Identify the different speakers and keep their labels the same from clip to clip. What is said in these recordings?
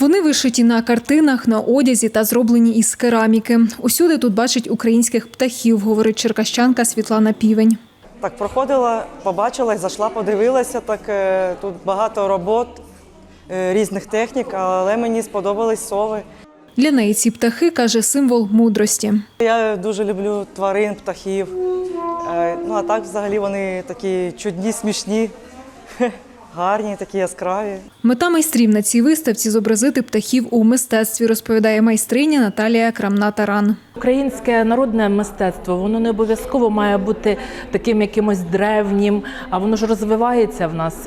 Speaker 1: Вони вишиті на картинах, на одязі та зроблені із кераміки. Усюди тут бачать українських птахів, говорить черкащанка Світлана Півень.
Speaker 2: Так проходила, побачила, зайшла, подивилася. Тут багато робот, різних технік, але мені сподобались сови.
Speaker 1: Для неї ці птахи, каже, символ мудрості.
Speaker 2: Я дуже люблю тварин, птахів. А так взагалі вони такі чудні, смішні, гарні, такі яскраві.
Speaker 1: Мета майстрів на цій виставці – зобразити птахів у мистецтві, розповідає майстриня Наталія Крамна-Таран.
Speaker 3: Українське народне мистецтво, воно не обов'язково має бути таким якимось древнім, а воно ж розвивається в нас.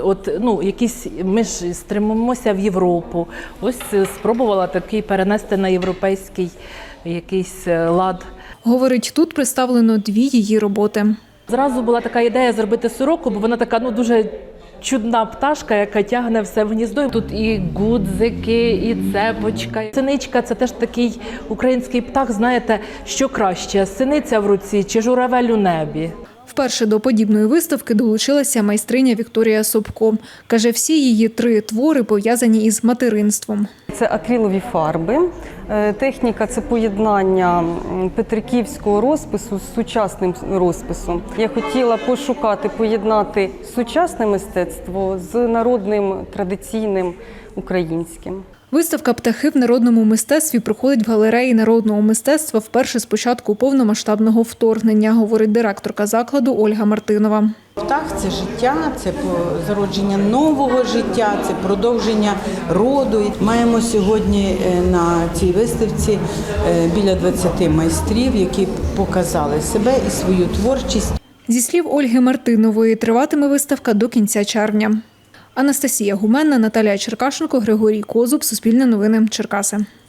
Speaker 3: Ми ж стремимося в Європу. Ось спробувала такий перенести на європейський якийсь лад.
Speaker 1: Говорить, тут представлено 2 її роботи.
Speaker 3: Зразу була така ідея зробити сороку, бо вона така дуже чудна пташка, яка тягне все в гніздо. Тут і гудзики, і цепочка. Синичка – це теж такий український птах, знаєте, що краще – синиця в руці чи журавель у небі.
Speaker 1: Вперше до подібної виставки долучилася майстриня Вікторія Собко. Каже, всі її 3 твори пов'язані із материнством.
Speaker 4: Це акрилові фарби. Техніка – це поєднання петриківського розпису з сучасним розписом. Я хотіла пошукати, поєднати сучасне мистецтво з народним, традиційним, українським.
Speaker 1: Виставка «Птахи в народному мистецтві» проходить в галереї народного мистецтва вперше з початку повномасштабного вторгнення, говорить директорка закладу Ольга Мартинова.
Speaker 5: Птах – це життя, це зародження нового життя, це продовження роду. Маємо сьогодні на цій виставці біля 20 майстрів, які показали себе і свою творчість.
Speaker 1: Зі слів Ольги Мартинової, триватиме виставка до кінця червня. Анастасія Гуменна, Наталія Черкашенко, Григорій Козуб, Суспільне новини, Черкаси.